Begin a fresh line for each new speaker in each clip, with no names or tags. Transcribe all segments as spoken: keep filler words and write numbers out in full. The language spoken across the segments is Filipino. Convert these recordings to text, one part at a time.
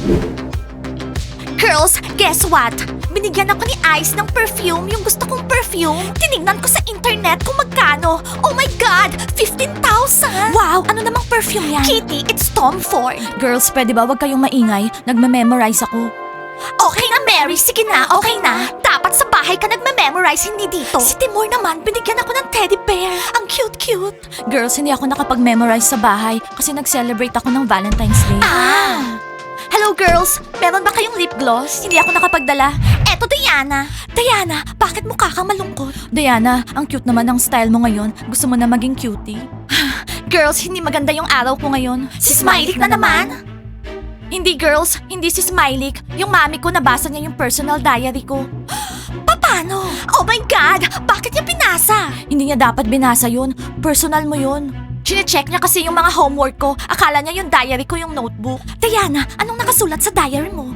Girls, guess what? Binigyan ako ni Ice ng perfume, yung gusto kong perfume. Tinignan ko sa internet kung magkano. Oh my God! fifteen thousand! Wow! Ano namang perfume yan? Kitty, it's Tom Ford. Girls, pwede ba wag kayong maingay? Nagme-memorize ako. Okay na, Mary. Sige na, okay na. Dapat sa bahay ka nagme-memorize, hindi dito. Si Timur naman, binigyan ako ng teddy bear. Ang cute-cute. Girls, hindi ako nakapag-memorize sa bahay kasi nag-celebrate ako ng Valentine's Day. Ah! Hello girls! Meron ba kayong lip gloss? Hindi ako nakapagdala. Eto, Diana. Diana, bakit mukha kang malungkot? Diana, ang cute naman ng style mo ngayon. Gusto mo na maging cutie? Girls, hindi maganda yung araw ko ngayon. Si Smiley na naman? Hindi girls, hindi si Smiley. Yung mami ko nabasa niya yung personal diary ko. Paano? Oh my God! Bakit niya pinasa? Hindi niya dapat binasa yun. Personal mo yun. Chine-check niya kasi yung mga homework ko. Akala niya yung diary ko yung notebook. Diana, anong nakasulat sa diary mo?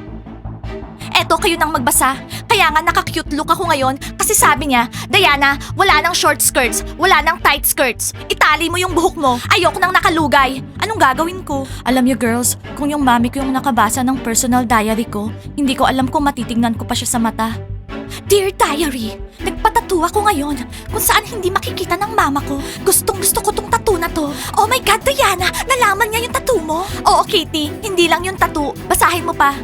Eto, kayo nang magbasa. Kaya nga naka-cute look ako ngayon kasi sabi niya, Diana, wala nang short skirts, wala nang tight skirts. Itali mo yung buhok mo. Ayoko nang nakalugay. Anong gagawin ko? Alam niyo girls, kung yung mami ko yung nakabasa ng personal diary ko, hindi ko alam kung matitignan ko pa siya sa mata. Dear Diary, nagpatattoo ako ngayon kung saan hindi makikita ng mama ko. Gustong gusto ko tong tattoo na to. Oh my God, Diana! Nalaman niya yung tattoo mo? Oo, Kitty. Hindi lang yung tattoo. Basahin mo pa.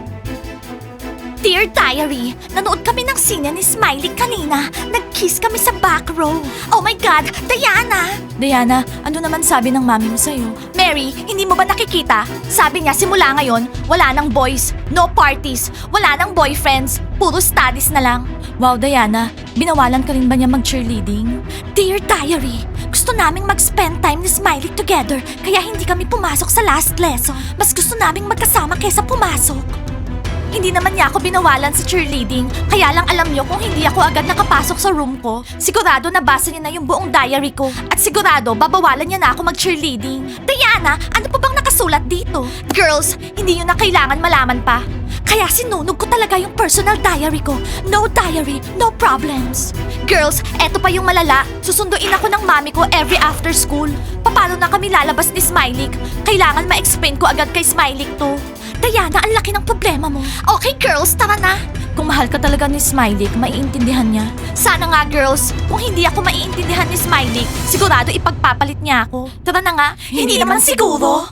Dear Diary, nanood kami ng sine ni Smiley kanina. Nag-kiss kami sa back row. Oh my God, Diana! Diana, ano naman sabi ng mami mo sa'yo? Mary, hindi mo ba nakikita? Sabi niya simula ngayon, wala nang boys, no parties, wala nang boyfriends, puro studies na lang. Wow, Diana, binawalan ka rin ba niya mag-cheerleading? Dear Diary, gusto naming mag-spend time ni Smiley together kaya hindi kami pumasok sa last lesson. Mas gusto naming magkasama kaysa pumasok. Hindi naman niya ako binawalan sa cheerleading, kaya lang alam niyo kung hindi ako agad nakapasok sa room ko, sigurado nabasa niya na yung buong diary ko. At sigurado, babawalan niya na ako mag-cheerleading. Diana, ano pa bang nakasulat dito? Girls, hindi niyo na kailangan malaman pa. Kaya sinunog ko talaga yung personal diary ko. No diary, no problems. Girls, eto pa yung malala. Susunduin ako ng mami ko every after school. Paano na kami lalabas ni Smiley? Kailangan ma-explain ko agad kay Smiley to. Diana, ang laki ng problema mo. Okay, girls, tara na. Kung mahal ka talaga ni Smiley, maiintindihan niya. Sana nga, girls. Kung hindi ako maiintindihan ni Smiley, sigurado ipagpapalit niya ako. Tara na nga. Hindi, hindi naman siguro.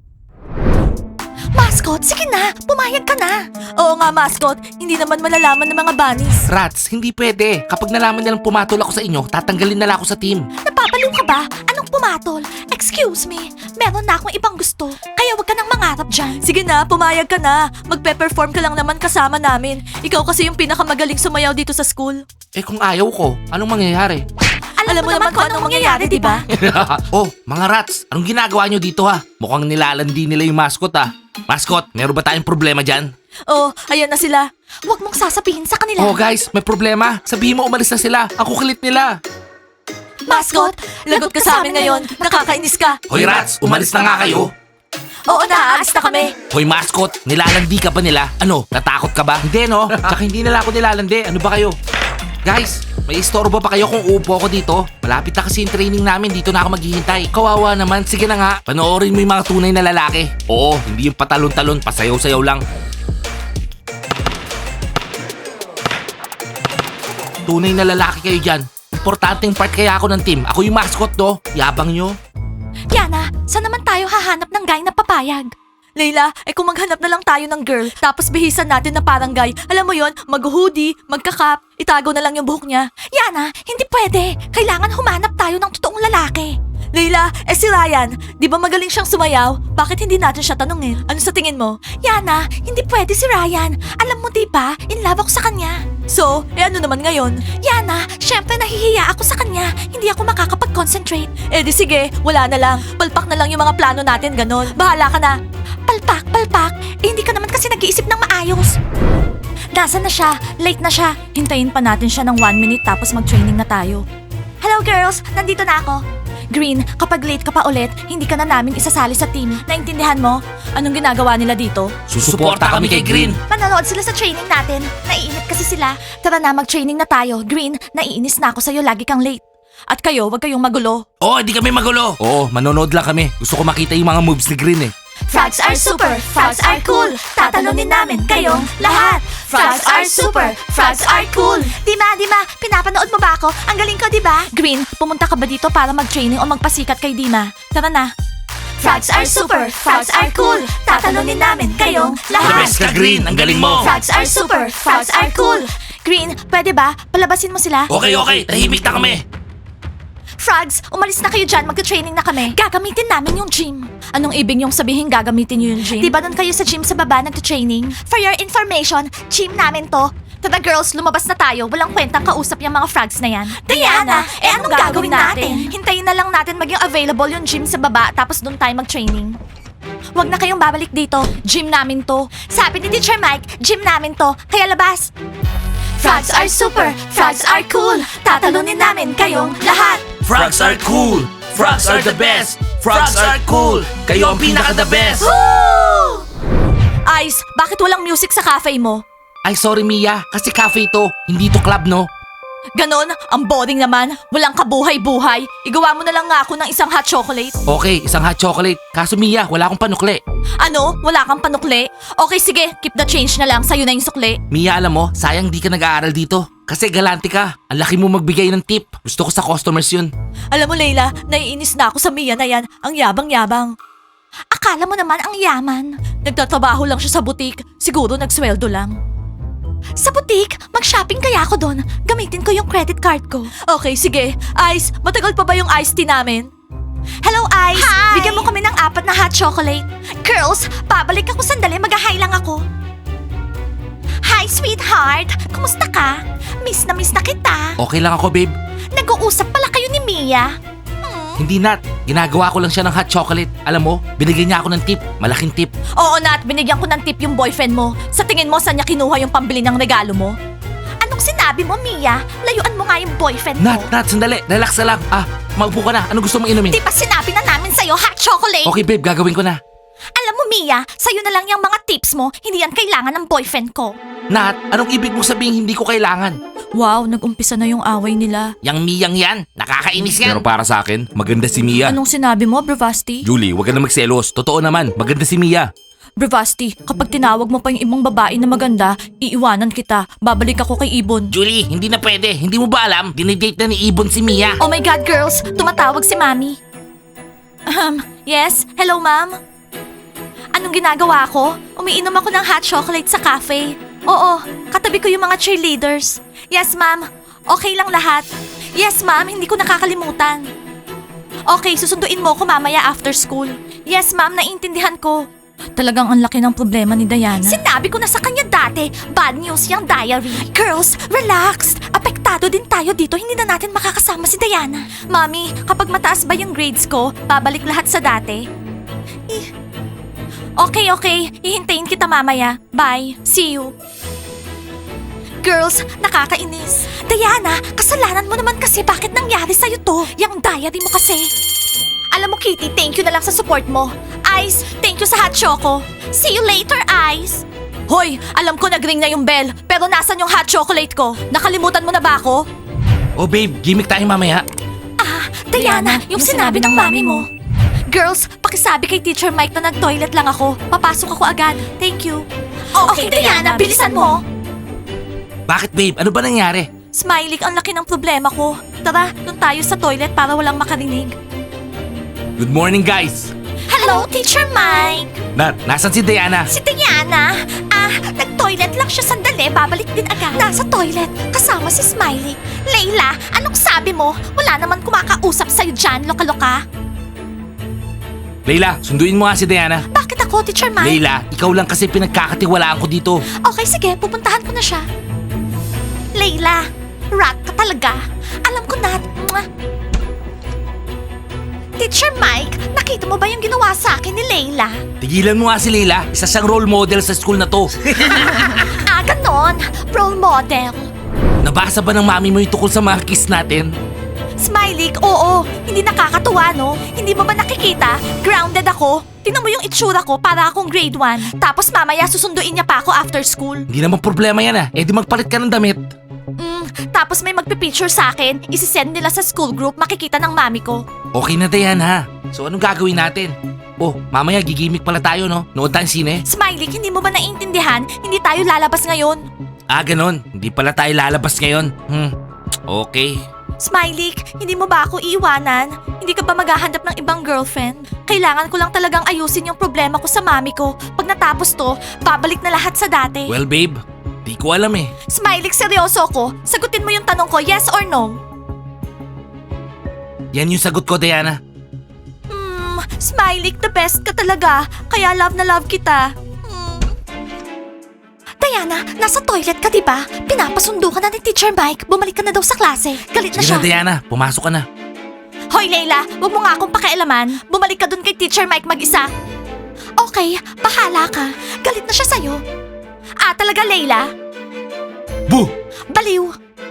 Mascot, sige na. Pumayag ka na. Oo nga, mascot. Hindi naman malalaman ng mga bunnies.
Rats, hindi pwede. Kapag nalaman nilang pumatol ako sa inyo, tatanggalin na lang ako sa team.
Napapaliw ka ba? Anong pumatol? Excuse me. Meron na akong ibang gusto. Kaya wag ka nang mangarap dyan. Sige na, pumayag ka na. Magpe-perform ka lang naman kasama namin. Ikaw kasi yung pinakamagaling sumayaw dito sa school.
Eh kung ayaw ko, anong mangyayari?
Alam, Alam mo naman kung anong mangyayari, di ba?
Oh, mga rats, anong ginagawa nyo dito ha? Mukhang nilalandi nila yung mascot ha. Mascot, meron ba tayong problema dyan?
Oh, ayan na sila. Huwag mong sasabihin sa kanila.
Oh guys, may problema. Sabihin mo umalis na sila. Ang kukulit nila.
Mascot, lagot ka sa amin ngayon. Nakakainis ka.
Hoy rats, umalis na nga kayo.
Oo, naaalis na kami.
Hoy mascot, nilalandi ka ba nila? Ano, natakot ka ba? Hindi no, tsaka hindi nila ako nilalandi. Ano ba kayo? Guys, may istorbo pa kayo kung upo ako dito? Malapit na kasi yung training namin, dito na ako maghihintay. Kawawa naman, sige na nga. Panoorin mo yung mga tunay na lalaki. Oo, hindi yung patalon-talon, pasayaw-sayaw lang. Tunay na lalaki kayo dyan. Importanteng part kaya ako ng team. Ako yung mascot do. Yabang nyo.
Yana, saan naman tayo hahanap ng guy na papayag? Layla, eh kung maghanap na lang tayo ng girl, tapos bihisan natin na parang guy, alam mo yon, mag-hoodie, magka-cap, itago na lang yung buhok niya. Yana, hindi pwede. Kailangan humanap tayo ng totoong lalaki. Layla, eh si Ryan, di ba magaling siyang sumayaw? Bakit hindi natin siya tanungin? Ano sa tingin mo? Yana, hindi pwede si Ryan. Alam mo di ba, in love ako sa kanya. So, eh ano naman ngayon? Yana, syempre nahihiya ako sa kanya. Hindi ako makakapag-concentrate. Eh di sige, wala na lang. Palpak na lang yung mga plano natin, ganon. Bahala ka na. Palpak, palpak. Eh hindi ka naman kasi nag-iisip ng maayos. Nasaan na siya? Late na siya. Hintayin pa natin siya ng one minute tapos mag-training na tayo. Hello girls, nandito na ako. Green, kapag late ka pa ulit, hindi ka na namin isasali sa team. Naintindihan mo? Anong ginagawa nila dito?
Susuporta kami kay Green.
Manonood sila sa training natin. Naiinip kasi sila. Tara na, mag-training na tayo. Green, naiinis na ako sa'yo. Lagi kang late. At kayo, wag kayong magulo.
Oo, oh, hindi kami magulo. Oo, manonood lang kami. Gusto ko makita yung mga moves ni Green eh.
Frogs are super, frogs are cool. tatalunin namin kayong lahat. Frogs are super, frogs are cool. Dima, Dima, pinapanood mo ba ako? Ang galing ko, di ba? Green, pumunta ka ba dito para mag-training o magpasikat kay Dima? Tara na. Frogs are super, frogs are cool. Tatalunin namin kayong
The
lahat.
best ka, Green. Ang galing mo.
Frogs are super, frogs are cool. Green, pwede ba? Palabasin mo sila.
Okay, okay. Tahimik na kami.
Frogs, umalis na kayo dyan. Magka-training na kami. Gagamitin namin yung gym. Anong ibig niyong sabihin gagamitin niyo yung gym? Di ba doon kayo sa gym sa baba nagka-training? For your information, gym namin to. Tara girls, lumabas na tayo. Walang kwentang kausap yung mga frogs na yan. Diana, eh anong gagawin natin? Hintayin na lang natin maging available yung gym sa baba tapos doon tayo mag-training. Huwag na kayong babalik dito. Gym namin to. Sabi ni Teacher Mike, gym namin to. Kaya labas. Frogs are super, frogs are cool. Tatalunin namin kayong lahat.
Frogs are cool. Frogs are the best. Frogs are cool. Kayo ang pinaka-the best.
Woo! Ice, bakit walang music sa cafe mo?
Ay, sorry Mia. Kasi cafe to. Hindi to club, no?
Ganon, ang boring naman. Walang kabuhay-buhay. Igawa mo na lang nga ako ng isang hot chocolate.
Okay, isang hot chocolate. Kaso Mia, wala akong panukli.
Ano? Wala kang panukli? Okay, sige. Keep the change na lang. Sa'yo na yung sukli.
Mia, alam mo, sayang di ka nag-aaral dito. Kasi galante ka. Ang laki mo magbigay ng tip. Gusto ko sa customers yun.
Alam mo, Leila, naiinis na ako sa Mia na yan. Ang yabang-yabang. Akala mo naman ang yaman. Nagtatrabaho lang siya sa butik. Siguro nagsweldo lang. Sa butik? Mag-shopping kaya ako doon. Gamitin ko yung credit card ko. Okay, sige. Ice, matagal pa ba yung iced tea namin? Hello, Ice.
Hi!
Bigyan mo kami ng apat na hot chocolate. Girls, babalik ako sandali. Mag-hi lang ako. Hi, sweetheart. Kumusta ka? Miss na miss na kita.
Okay lang ako, babe.
Nag-uusap pala kayo ni Mia.
Hindi, Nat. Ginagawa ko lang siya ng hot chocolate. Alam mo, binigyan niya ako ng tip. Malaking tip.
Oo, Nat. Binigyan ko ng tip yung boyfriend mo. Sa tingin mo, saan niya kinuha yung pambili ng regalo mo? Anong sinabi mo, Mia? Layuan mo nga yung boyfriend
Nat,
mo.
Nat, sandali. Relax na lang. Ah, maupo ka na. Ano gusto mong inumin?
Di ba sinabi na namin sa'yo, hot chocolate?
Okay, babe. Gagawin ko na.
Alam mo, Mia, sa'yo na lang yung mga tips mo. Hindi yan kailangan ng boyfriend ko.
Nat, anong ibig mong sabihin hindi ko kailangan?
Wow, nag-umpisa na yung away nila.
Yang Miyang yan. Nakakainis yan. Pero para sa akin, maganda si Mia.
Anong sinabi mo, Bravasti?
Julie, wag ka na magselos. Totoo naman, maganda si Mia.
Bravasti, kapag tinawag mo pa yung ibang babae na maganda, iiwanan kita. Babalik ako kay Ibon.
Julie, hindi na pwede. Hindi mo ba alam? Dinidate na ni Ibon si Mia.
Oh my God, girls! Tumatawag si Mami. Um, yes? Hello, Ma'am? Anong ginagawa ko? Umiinom ako ng hot chocolate sa cafe. Oo, katabi ko yung mga cheerleaders. Yes, Ma'am. Okay lang lahat. Yes, Ma'am. Hindi ko nakakalimutan. Okay, susunduin mo ko mamaya after school. Yes, Ma'am. Naiintindihan ko. Talagang ang laki ng problema ni Diana. Sinabi ko na sa kanya dati, bad news yung diary. Girls, relax. Apektado din tayo dito, hindi na natin makakasama si Diana. Mami, kapag mataas ba yung grades ko, babalik lahat sa dati? Eh, Okay, okay. Hihintayin kita mamaya. Bye. See you. Girls, nakakainis. Diana, kasalanan mo naman kasi bakit nangyari sa'yo to? Yung diary mo kasi. Alam mo, Kitty, thank you na lang sa support mo. Ice, thank you sa hot choco. See you later, Ice. Hoy, alam ko nag-ring na yung bell, pero nasan yung hot chocolate ko? Nakalimutan mo na ba ako?
Oh babe, gimmick tayo mamaya.
Ah, Diana, yung, sinabi ng mami mo. Girls, pakisabi kay Teacher Mike na nag-toilet lang ako. Papasok ako agad. Thank you. Okay, Diana, bilisan mo.
Bakit babe? Ano ba nangyari?
Smiley, ang laki ng problema ko. Tara, doon tayo sa toilet para walang makarinig.
Good morning guys.
Hello, Teacher Mike.
Nat, nasan si Diana?
Si Diana. Ah, nag-toilet lang siya sandali. Babalik din agad. Nasa toilet, kasama si Smiley. Layla, anong sabi mo? Wala naman kumakausap sa'yo dyan, loka-loka.
Layla, sunduin mo nga si Diana.
Bakit ako, Teacher Mike?
Layla, ikaw lang kasi pinagkakatiwalaan ko dito.
Okay, sige. Pupuntahan ko na siya. Layla, rat ka talaga. Alam ko na. Mwah. Teacher Mike, nakita mo ba yung ginawa sa akin ni Layla?
Tigilan mo nga si Layla. Isa siyang role model sa school na to.
Ah, ganon. Role model.
Nabasa ba ng mami mo yung tukol sa mga kiss natin?
Smiley, oo. Hindi nakakatuwa, no? Hindi mo ba nakikita? Grounded ako. Tingnan mo yung itsura ko para akong grade one. Tapos mamaya susunduin niya pa ako after school.
Hindi naman problema yan ah. Eh di magpalit ka ng damit.
Mm, Tapos may magpipicture sa akin, isisend nila sa school group, makikita ng mami ko.
Okay na Diana. So anong gagawin natin? Oh, mamaya gigimik pala tayo no? Nood tayong sine?
Smiley, hindi mo ba naiintindihan? Hindi tayo lalabas ngayon.
Ah, ganon. Hindi pala tayo lalabas ngayon. Hmm, okay.
Smiley, hindi mo ba ako iiwanan? Hindi ka ba maghahanap ng ibang girlfriend? Kailangan ko lang talagang ayusin yung problema ko sa mami ko. Pag natapos to, babalik na lahat sa dati.
Well babe, di ko alam eh.
Smiley, seryoso ko. Sagutin mo yung tanong ko, yes or no?
Yan yung sagot ko Diana.
Hmm, Smiley, the best ka talaga. Kaya love na love kita. Hmm. Diana, nasa toilet ka, di ba? Pinapasundo ka na ni Teacher Mike. Bumalik ka na daw sa klase. Galit na
Sige
siya.
na Diana, pumasok ka na.
Hoy, Layla, wag mo nga akong pakialaman. Bumalik ka dun kay Teacher Mike mag-isa. Okay, bahala ka. Galit na siya sa'yo. Ah, talaga, Layla?
Boo!
Baliw.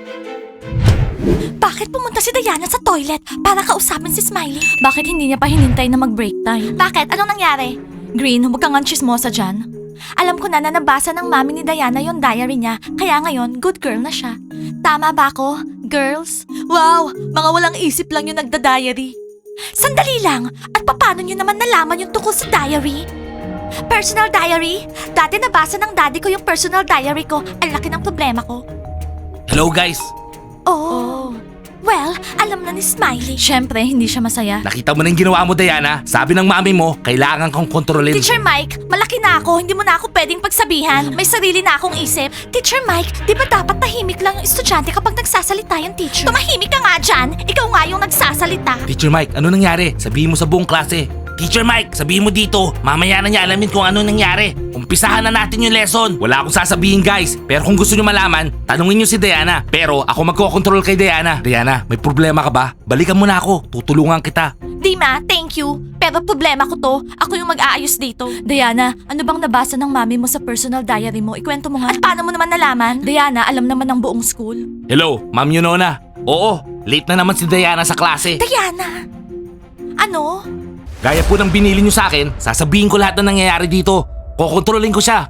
Bakit pumunta si Diana sa toilet para kausapin si Smiley? Bakit hindi niya pa hinintay na mag-break time? Bakit? Anong nangyari? Green, huwag kang chismosa dyan. Alam ko na na nabasa ng mami ni Diana yung diary niya, kaya ngayon, good girl na siya. Tama ba ako, girls? Wow, mga walang isip lang yung nagda-diary. Sandali lang, at paano nyo naman nalaman yung tungkol sa diary? Personal diary? Dati nabasa ng daddy ko yung personal diary ko. Ang laki ng problema ko.
Hello guys!
Oh. Well, alam na ni Smiley. Siyempre, hindi siya masaya.
Nakita mo na yung ginawa mo Diana? Sabi ng mami mo, kailangan kang kontrolin.
Teacher Mike, malaki na ako. Hindi mo na ako pwedeng pagsabihan. May sarili na akong isip. Teacher Mike, di ba dapat tahimik lang yung estudyante kapag nagsasalita yung teacher? Tumahimik ka nga dyan. Ikaw nga yung nagsasalita.
Teacher Mike, ano nangyari? Sabihin mo sa buong klase. Teacher Mike, sabihin mo dito. Mamaya na niya alamin kung ano nangyari. Umpisahan na natin yung lesson. Wala akong sasabihin guys. Pero kung gusto nyo malaman, tanungin nyo si Diana. Pero ako magkocontrol kay Diana. Diana, may problema ka ba? Balikan mo na ako. Tutulungan kita.
Dima, thank you. Pero problema ko to. Ako yung mag-aayos dito. Diana, ano bang nabasa ng mami mo sa personal diary mo? Ikwento mo nga. At paano mo naman nalaman? Diana, alam naman ng buong school.
Hello, Ma'am Yunona. Oo, late na naman si Diana sa klase.
Diana! Ano?
Gaya po ng binili nyo sa akin, sasabihin ko lahat na nangyayari dito. Kokontrolin ko siya.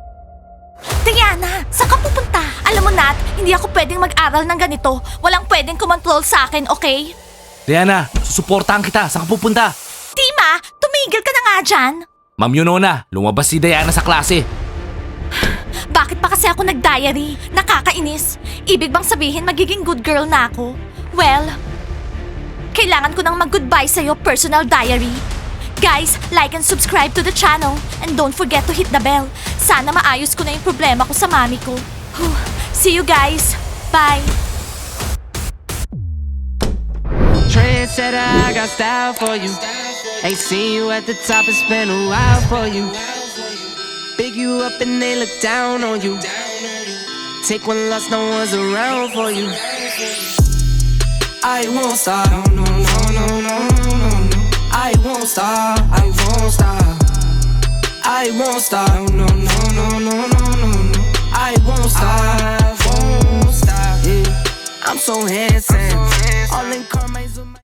Diana, saan ka pupunta? Alam mo Nat, hindi ako pwedeng mag-aral ng ganito. Walang pwedeng kumontrol sa akin, okay?
Diana, susuportahan kita. Saan ka pupunta?
Dima, tumigil ka na nga dyan.
Ma'am Yunona, lumabas si Diana sa klase.
Bakit pa kasi ako nag-diary? Nakakainis. Ibig bang sabihin magiging good girl na ako? Well, kailangan ko nang mag-goodbye sa'yo, personal diary. Guys, like and subscribe to the channel. And don't forget to hit the bell. Sana maayos ko na yung problema ko sa mami ko. Whew. See you guys. Bye.
Trendsetter, I got style for you. Ain't seen you at the top, it's been a while for you. Big you up and they look down on you. Take one loss, no one's around for you. I won't stop, no, no, no, no, no, no, no. I won't stop, I won't stop. I won't stop, no, no, no, no, no, no, no. I won't stop, I won't stop. Yeah. I'm so handsome.